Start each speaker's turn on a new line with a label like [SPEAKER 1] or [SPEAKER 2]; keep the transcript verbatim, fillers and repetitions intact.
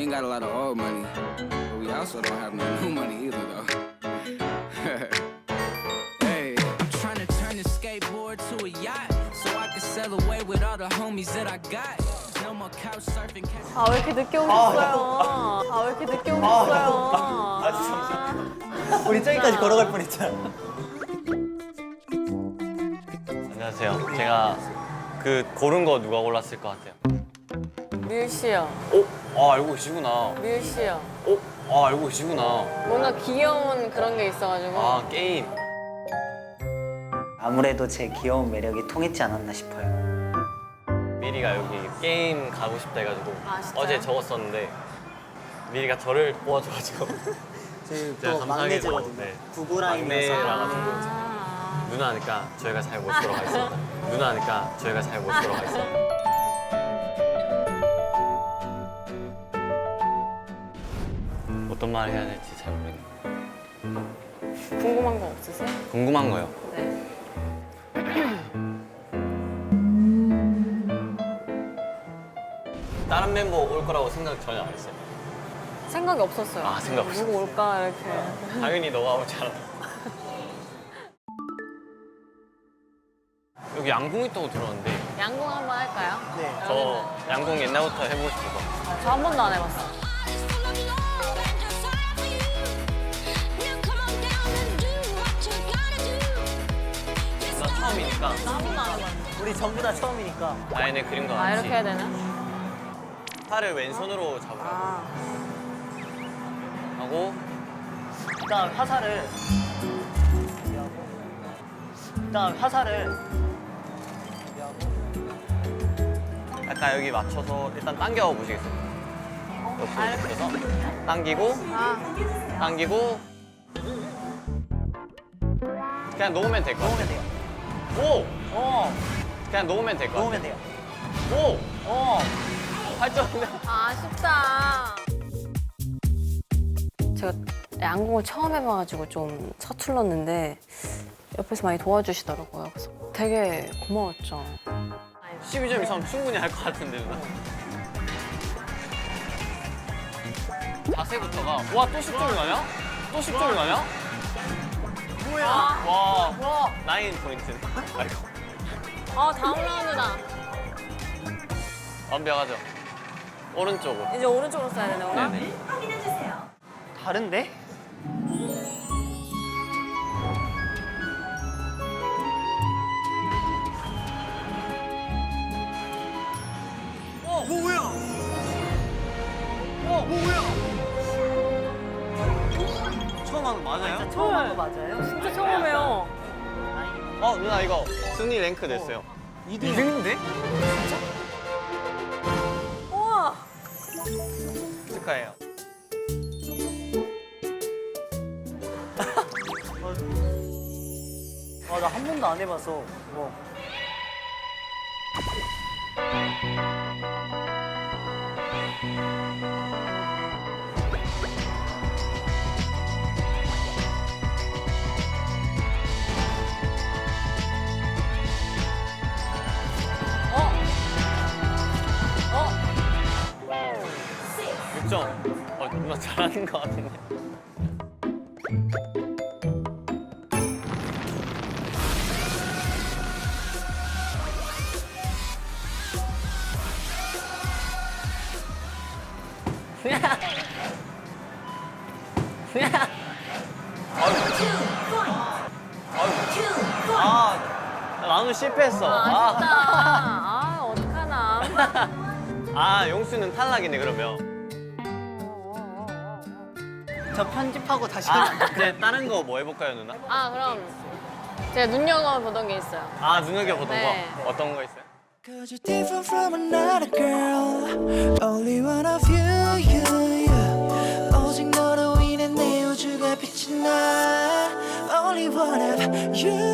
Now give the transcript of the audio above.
[SPEAKER 1] ain't got a lot of old money, but we also don't have no new money either, though. Hey, I'm trying to turn the skateboard to a yacht, so I can sail away with all the homies that I got. No more couch surfing.
[SPEAKER 2] 아, 왜 이렇게 늦게 오셨어요? 아, 왜 이렇게 늦게 오셨어요?
[SPEAKER 3] 아, 죄송합니다. 우리 저기까지 걸어갈 뻔했잖아.
[SPEAKER 4] 안녕하세요. 제가 그 고른 거 누가 골랐을 것 같아요?
[SPEAKER 2] 뮤 씨요.
[SPEAKER 4] 어? 아 알고 계시구나.
[SPEAKER 2] 뮤 씨요.
[SPEAKER 4] 어? 아 알고 계시구나.
[SPEAKER 2] 뭔가 귀여운 그런 게 있어가지고.
[SPEAKER 4] 아 게임.
[SPEAKER 3] 아무래도 제 귀여운 매력이 통했지 않았나 싶어요.
[SPEAKER 4] 미리가 여기 게임 가고 싶다 해가지고
[SPEAKER 2] 아, 진짜요?
[SPEAKER 4] 어제 적었었는데 미리가 저를 뽑아줘가지고
[SPEAKER 3] 저희
[SPEAKER 4] 제가
[SPEAKER 3] 또
[SPEAKER 4] 감사하게도,
[SPEAKER 3] 막내제거든요.
[SPEAKER 4] 네.
[SPEAKER 3] 구구라인이라서.
[SPEAKER 4] 막내라가지고
[SPEAKER 2] 아.
[SPEAKER 4] 누나니까 저희가 잘 모시도록 하겠습니다. 누나니까 저희가 잘 모시도록 하겠습니다. 어떤 말 해야 될지 잘 모르겠네요.
[SPEAKER 2] 궁금한 거 없으세요?
[SPEAKER 4] 궁금한 거요.
[SPEAKER 2] 네.
[SPEAKER 4] 다른 멤버 올 거라고 생각 전혀 안 했어요.
[SPEAKER 2] 생각이 없었어요.
[SPEAKER 4] 아, 생각 없었어요.
[SPEAKER 2] 누구 올까 이렇게.
[SPEAKER 4] 당연히 너가 오지 않아. 여기 양궁 있다고 들었는데
[SPEAKER 2] 양궁 한번 할까요?
[SPEAKER 3] 네.
[SPEAKER 4] 저 양궁 옛날부터 해보고 싶어서.
[SPEAKER 2] 저 한 번도 안 해봤어요.
[SPEAKER 4] 나 처음이니까
[SPEAKER 2] 나 한 번도 안 해봤어요.
[SPEAKER 3] 우리 전부 다 처음이니까.
[SPEAKER 4] 나연의 그림과
[SPEAKER 2] 아,
[SPEAKER 4] 같이
[SPEAKER 2] 이렇게 해야 되나?
[SPEAKER 4] 팔을 왼손으로 잡으라고
[SPEAKER 2] 아.
[SPEAKER 4] 하고
[SPEAKER 3] 일단 화살을 일단 화살을
[SPEAKER 4] 약간 여기 맞춰서 일단 당겨 보시겠어요?
[SPEAKER 2] 아,
[SPEAKER 4] 옆으로 해서 당기고
[SPEAKER 2] 아.
[SPEAKER 4] 당기고 그냥 놓으면 될 것
[SPEAKER 3] 놓으면
[SPEAKER 4] 같아요.
[SPEAKER 3] 돼요.
[SPEAKER 4] 오!
[SPEAKER 3] 어,
[SPEAKER 4] 그냥 놓으면 될 것 같아요.
[SPEAKER 3] 놓으면 돼요.
[SPEAKER 4] 오!
[SPEAKER 3] 어.
[SPEAKER 4] 팔 점.
[SPEAKER 2] 아, 아쉽다. 제가 양궁을 처음 해봐가지고 좀 서툴렀는데 옆에서 많이 도와주시더라고요. 그래서 되게 고마웠죠.
[SPEAKER 4] 십이 점 이상은 충분히 할 것 같은데 누나. 자세부터가 와 또 십 점이 나냐? 또 십 점이 나냐?
[SPEAKER 3] 뭐야?
[SPEAKER 4] 와,
[SPEAKER 3] 와.
[SPEAKER 4] 나인 포인트. 아이고
[SPEAKER 2] 아, 다음 라운드다.
[SPEAKER 4] 완벽하죠? 오른쪽으로.
[SPEAKER 2] 이제 오른쪽으로 써야 되네, 오늘?
[SPEAKER 4] 네네.
[SPEAKER 3] 다른데? 어, 뭐야? 어, 뭐야? 처음 하는 거 맞아요? 처음 하는 거 맞아요?
[SPEAKER 2] 진짜 처음이에요.
[SPEAKER 4] 어 누나 이거 순위 랭크 됐어요.
[SPEAKER 3] 이 등인데?
[SPEAKER 2] 우와.
[SPEAKER 4] 축하해요.
[SPEAKER 3] 아, 나 한 번도 안 해봐서. 뭐.
[SPEAKER 2] 어? 어?
[SPEAKER 4] 육 점. 어 누나 잘하는 것 같은데. 아, 나는 실패했어.
[SPEAKER 2] 아, 아쉽다. 아, 어떡하나.
[SPEAKER 4] 아, 용수는 탈락이네 그러면.
[SPEAKER 3] 저 편집하고 다시
[SPEAKER 4] 아,
[SPEAKER 3] 하면 안
[SPEAKER 4] 이제 다른 거 뭐 해볼까요, 누나?
[SPEAKER 2] 아, 그럼 제가 눈여겨보던 게 있어요.
[SPEAKER 4] 아, 눈여겨보던
[SPEAKER 2] 네.
[SPEAKER 4] 거? 어떤 거 있어요?
[SPEAKER 5] Cause you're different from another girl Only one of you, you, you 오직 너로 인해 내 우주가 빛이 나 Only one of you